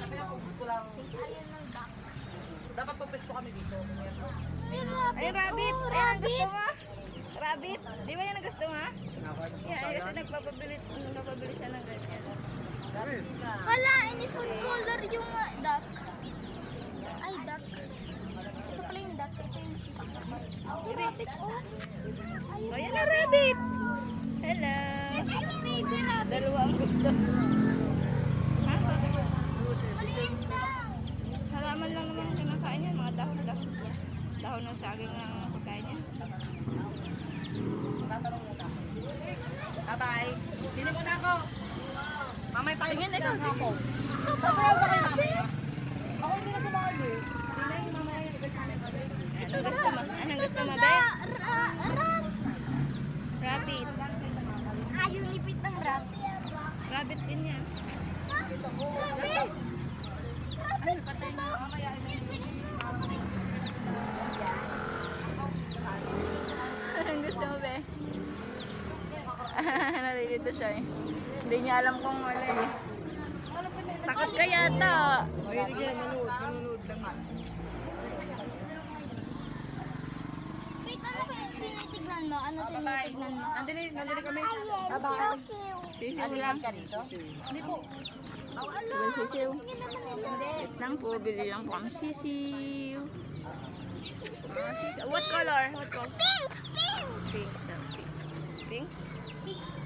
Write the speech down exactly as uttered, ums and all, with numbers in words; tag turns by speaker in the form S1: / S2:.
S1: Ayun ng duck.
S2: Dapat pagpesto kami dito.
S1: May rabbit.
S3: Ay, rabbit!
S1: Oh,
S3: Ayan ang
S1: rabbit.
S3: gusto mo? Rabbit? Di ba yan ang gusto mo, ha? Yeah, ay, kasi nagpapabili, nagpapabili siya ng ganyan.
S1: Hala, ini food color yung uh, duck. Ay, duck. Ito pala yung duck. Ito yung chicks. Ito rabbit, oh.
S3: O, yan ang rabbit! Hello!
S1: Ito yung baby rabbit.
S3: Dalawa ang gusto. Ha?
S1: Maliit lang.
S3: Halaman lang naman ang kinakain yan. Mga dahon-dahon. Dahon ng saging lang ang pagkain yan.
S2: Bye-bye. Dili mo na ako. Mamay tayo.
S3: Tingin, ikaw, tingin.
S1: Ito pa rabbit.
S2: Ako hindi na sumali. Dili, mamay.
S3: Anong gusto mo? Anong gusto mo, be?
S1: Ra- ra- rat.
S3: Rabbit.
S1: Ah, yung lipit ng rat.
S3: Rabbit din yan.
S1: Rabbit.
S3: Ano, patay mo? Anong gusto mo, be? Nalilito siya eh. Hindi niya alam kung wala eh. Takot ka yata.
S4: Mahilig yan, manood, manonood lang yan.
S1: Wait, ano kaya tinitignan mo? Ano tinitignan mo?
S2: Nandili, nandili kami.
S1: Ayan, siw-siw.
S3: Sisiw lang.
S2: Hindi po.
S3: Bili sisiw. Wait lang po, bili lang po kami sisiw. Ah, sisiw. What color? What color?
S1: Pink! Pink!
S3: Pink. Pink? Pink?